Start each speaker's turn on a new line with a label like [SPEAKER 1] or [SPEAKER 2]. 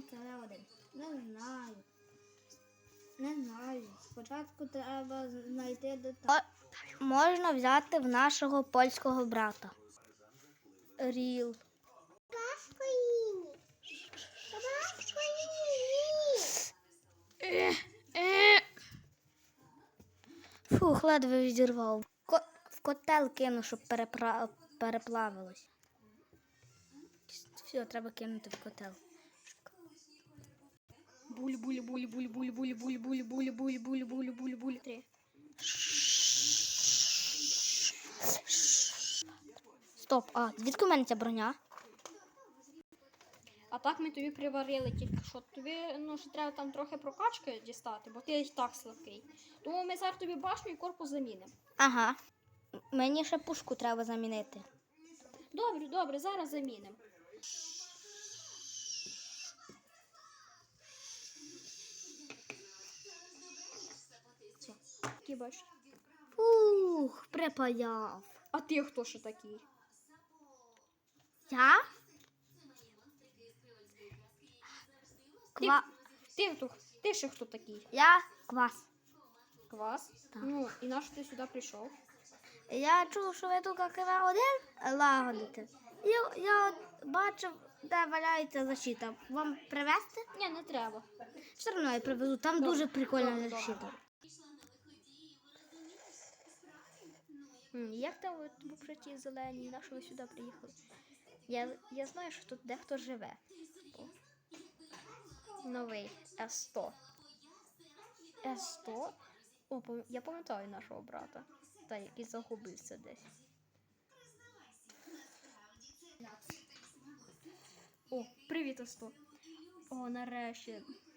[SPEAKER 1] там КВ-1? Не знаю. Не знаю. Спочатку треба знайти деталі.
[SPEAKER 2] Можна взяти в нашого польського брата. Ріл. Фух, ледве відірвав. В котел кину, щоб переплавилось. Все, треба кинути в котел.
[SPEAKER 1] Буль-буль-буль-буль-буль-буль-буль-буль-буль-буль-буль-буль-буль. 3.
[SPEAKER 2] Стоп, звідки в мене ця броня?
[SPEAKER 1] А так ми тобі приварили тільки що. Тобі ще треба там трохи прокачки дістати, бо ти і так слабкий. Тому ми зараз тобі башню і корпус замінимо.
[SPEAKER 2] Ага. Мені ще пушку треба замінити.
[SPEAKER 1] Добре, зараз замінимо. Все, такий бачиш.
[SPEAKER 2] Фух, припаяв.
[SPEAKER 1] А ти хто ще такий?
[SPEAKER 2] Я?
[SPEAKER 1] Ти ще хто такий?
[SPEAKER 2] Я квас.
[SPEAKER 1] Квас?
[SPEAKER 2] Так.
[SPEAKER 1] Ну, і на що ти сюди прийшов?
[SPEAKER 2] Я чув, що ви тут КВ-1 лагодите. Я от бачив, де валяється защита. Вам привезти?
[SPEAKER 1] Ні, не треба.
[SPEAKER 2] Все одно я привезу. Там
[SPEAKER 1] Добре,
[SPEAKER 2] дуже прикольна
[SPEAKER 1] добре.
[SPEAKER 2] защита.
[SPEAKER 1] Як там ви ті зелені, на що ви сюди приїхали? Я знаю, що тут дехто живе. Новий С100. С100? Я пам'ятаю нашого брата. Та який загубився десь. О, привіт, С100. О, нарешті.